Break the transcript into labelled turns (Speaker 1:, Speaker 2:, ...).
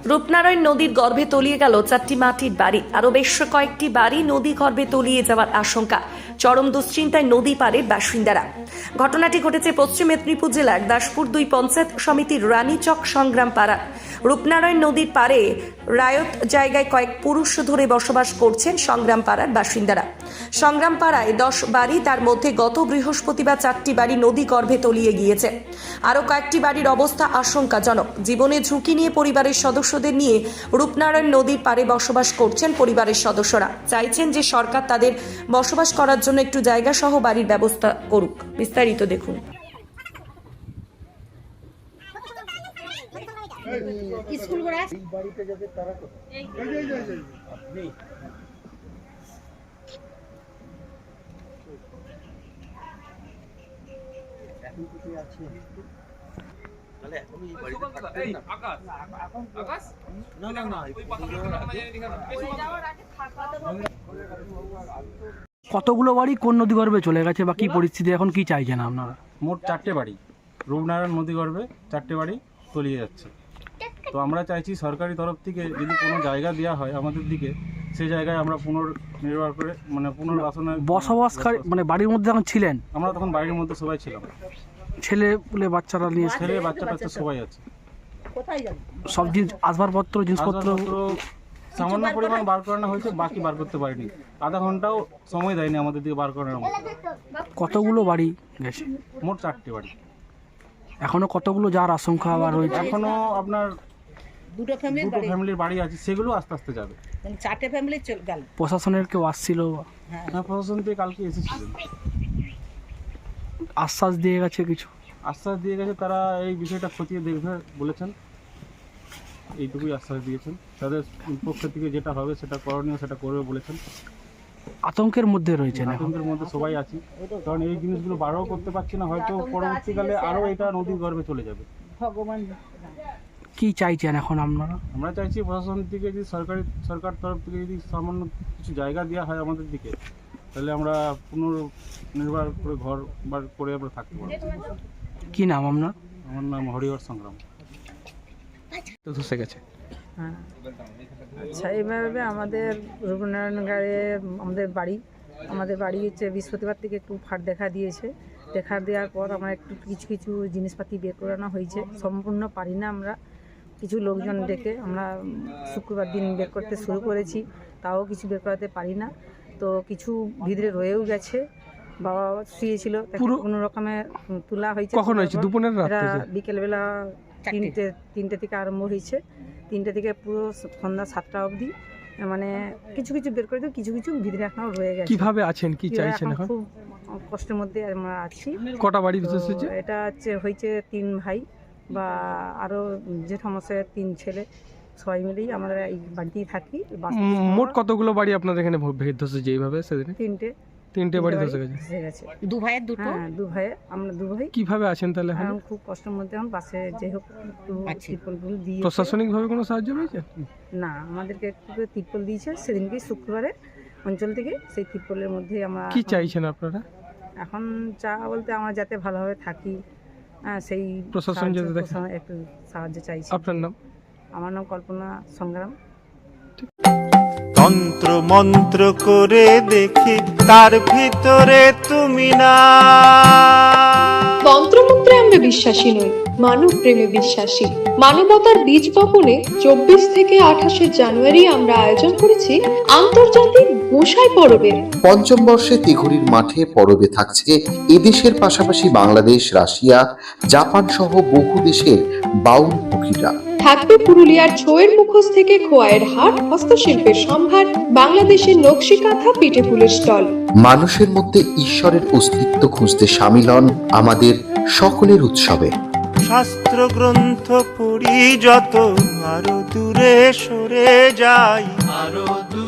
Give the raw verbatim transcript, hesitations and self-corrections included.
Speaker 1: রূপনারায়ণ নদীর গর্ভে তলিয়ে গেল চারটি মাটির বাড়ি। আরও বেশ কয়েকটি বাড়ি নদী গর্ভে তলিয়ে যাওয়ার আশঙ্কা। চরম দুশ্চিন্তায় নদী পাড়ের বাসিন্দারা। ঘটনাটি ঘটেছে পশ্চিম মেদিনীপুর জেলার দাসপুর দুই পঞ্চায়েত সমিতির রানীচক সংগ্রাম পাড়া। রূপনারায়ণ নদীর পাড়ে রায়ত জায়গায় কয়েক পুরুষ ধরে বসবাস করছেন সংগ্রাম পাড়ার বাসিন্দারা। সংগ্রাম পাড়ায় দশ বাড়ি, তার মধ্যে গত বৃহস্পতিবার চারটি বাড়ি নদী গর্ভে তলিয়ে গিয়েছে। আরও কয়েকটি বাড়ির অবস্থা আশঙ্কাজনক। জীবনের ঝুঁকি নিয়ে পরিবারের সদস্যদের নিয়ে রূপনারায়ণ নদীর পাড়ে বসবাস করছেন পরিবারের সদস্যরা। চাইছেন যে সরকার তাদের বসবাস করার জন্য একটু জায়গা সহ বাড়ির ব্যবস্থা করুক। বিস্তারিত দেখুন।
Speaker 2: স্কুল করে
Speaker 3: এই বাড়িতে যাবে তারা তো এই এই এই আপনি এখন কি আছে তাহলে এখন এই বাড়িতে থাকতেন না আকাশ আকাশ না না না ওই পাতাটা যাওয়ার আগে
Speaker 4: কতগুলো বাড়ি কোন নদী গর্ভে চলে গেছে বা কি পরিস্থিতি এখন, কি চাইছেন আপনারা?
Speaker 5: মোট চারটে বাড়ি রূপনারায়ণ নদী গর্ভে চারটে বাড়ি তলিয়ে যাচ্ছে। তো আমরা চাইছি সরকারি তরফ থেকে যদি কোনো জায়গা দেওয়া হয় আমাদের দিকে, সেই জায়গায় আমরা পুনর্নির্ভর করে মানে পুনর্বাসনে
Speaker 4: বসবাসকারী মানে বাড়ির মধ্যে যখন ছিলেন,
Speaker 5: আমরা তখন বাড়ির মধ্যে সবাই ছিলাম,
Speaker 4: ছেলে পুলে বাচ্চারা নিয়ে
Speaker 5: ছেলে বাচ্চা টাচ্চা সবাই আছে।
Speaker 4: সব জিনিস আসবাবপত্র জিনিসপত্র
Speaker 5: সামান্য পরিমাণ বার করানো হয়েছে, বাকি বার করতে পারিনি। আধা ঘন্টাও সময় দেয়নি আমাদের দিকে বার করানোর মতো।
Speaker 4: কতগুলো বাড়ি গেছে?
Speaker 5: মোট চারটে বাড়ি।
Speaker 4: এখনো কতগুলো যার আশঙ্কা আবার রয়েছে?
Speaker 5: এখনো আপনার
Speaker 2: দুটো ফ্যামিলির
Speaker 5: দুটো ফ্যামিলির বাড়ি আছে, সেগুলো আস্তে আস্তে যাবে।
Speaker 2: মানে চারটে ফ্যামিলি চলে গেল।
Speaker 4: প্রশাসনের কেউ আসছিল?
Speaker 5: হ্যাঁ, প্রশাসন থেকে কালকে এসেছিলেন,
Speaker 4: আশ্বাস দিয়ে গেছে কিছু?
Speaker 5: আশ্বাস দিয়ে গেছে, তারা এই বিষয়টা খতিয়ে দেখবে বলেছেন, এইটুকুই আশ্বাস দিয়েছেন। তাদের পক্ষ থেকে যেটা হবে সেটা করণীয় সেটা করবে বলেছেন।
Speaker 4: আতঙ্কের মধ্যে রয়েছেন,
Speaker 5: আতঙ্কের মধ্যে সবাই আছি, কারণ এই জিনিসগুলো বারও করতে পারছি না, হয়তো পরবর্তীকালে আরও এটা নদীর গর্ভে চলে যাবে।
Speaker 2: ভগবান
Speaker 4: কি চাইছেন এখন আপনারা?
Speaker 5: আমরা চাইছি প্রশাসন থেকে যদি সরকারি সরকার তরফ থেকে যদি সামান্য কিছু জায়গা দেওয়া হয় আমাদের দিকে, তাহলে আমরা পুনর্নির্ভর করে ঘর বার করে আমরা থাকতে পারবো।
Speaker 4: কি নাম আপনার?
Speaker 5: আমার নাম হরিহর সংগ্রাম।
Speaker 4: তো ধসে গেছে।
Speaker 6: হ্যাঁ, আচ্ছা, এইভাবে আমাদের রূপনারায়ণ গাড়ে আমাদের বাড়ি আমাদের বাড়ি হচ্ছে বৃহস্পতিবার থেকে একটু ফাট দেখা দিয়েছে। দেখা দেওয়ার পর আমরা একটু কিছু কিছু জিনিসপাতি বের করানো হয়েছে। সম্পূর্ণ পারি না, আমরা কিছু লোকজন ডেকে আমরা শুক্রবার দিন বের করতে শুরু করেছি, তাও কিছু বের করাতে পারি না। তো কিছু ভিতরে রয়েও গেছে। বাবা শুয়েছিল, কোনো রকমে তোলা হয়েছে।
Speaker 4: কখন হয়েছে? দুপুরের রাতে?
Speaker 6: বিকেলবেলা তিনটে তিনটে থেকে আরম্ভ হয়েছে, তিনটে থেকে পুরো সন্ধ্যা সাতটা অবধি। মানে কিছু কিছু বের করে দিও, কিছু কিছু ভিতরে এখনো রয়ে গেছে।
Speaker 4: কিভাবে আছেন, কি চাইছেন এখন?
Speaker 6: খুব কষ্টের মধ্যে আমরা আছি।
Speaker 4: কটা বাড়ি ধসেছে?
Speaker 6: এটা হচ্ছে হয়েছে তিন ভাই বা আরো জেঠামশাইয়ের তিন ছেলে, সবাই মিলেই আমরা এই বাড়িতেই থাকি।
Speaker 4: মোট কতগুলো বাড়ি আপনাদের এখানে ধসেছে এইভাবে? সেদিন
Speaker 6: তিনটে
Speaker 4: তিনটে বাড়ি ধসে গেছে।
Speaker 2: দু ভাইয়ের দুটো।
Speaker 6: হ্যাঁ, দু ভাই, আমরা দু ভাই।
Speaker 4: কিভাবে আছেন তাহলে এখন?
Speaker 6: এখন খুব কষ্টের মধ্যে, এখন পাশে যে হোক একটু তিরপলগুলো দিয়ে।
Speaker 4: প্রশাসনিক ভাবে কোনো সাহায্য পেয়েছে
Speaker 6: না, আমাদেরকে একটু করে তিরপল দিয়েছে সেদিনকে শুক্রবারে অঞ্চল থেকে। সেই তিরপলের মধ্যেই আমরা।
Speaker 4: কি চাইছেন আপনারা
Speaker 6: এখন চা বলতে আমরা যাতে ভালোভাবে থাকি, হ্যাঁ, সেই
Speaker 4: প্রশাসন যাতে দেখে
Speaker 6: একটু সাহায্য চাইছি।
Speaker 4: আপনার নাম?
Speaker 6: আমার নাম কল্পনা সংগ্রাম।
Speaker 7: তন্ত্র মন্ত্র করে দেখি তার ভিতরে তুমি না।
Speaker 8: তন্ত্রমন্ত্রে আমরা বিশ্বাসী নই, মানব প্রেমে বিশ্বাসী। মানবতার বীজ বপনে চব্বিশ থেকে আঠাশে জানুয়ারি আমরা আয়োজন করেছি আন্তর্জাতিক গোসাই পরবের।
Speaker 9: পঞ্চম বর্ষে তিঘুরির মাঠে পরবে থাকছে এদেশের পাশাপাশি বাংলাদেশ, রাশিয়া, জাপান সহ বহু দেশের বাউল পুকিরা।
Speaker 8: থাকবে পুরুলিয়ার ছোয়ের মুখোশ থেকে খোয়াইয়ের হাট, হস্তশিল্পের সম্ভার, বাংলাদেশের নকশি কাঁথা, পিঠে ফুলের স্টল।
Speaker 9: মানুষের মধ্যে ঈশ্বরের অস্তিত্ব খুঁজতে সামিল হন আমাদের সকলের উৎসবে।
Speaker 7: শাস্ত্র গ্রন্থ পড়ি যত আরো দূরে সরে যাই, আরো দূরে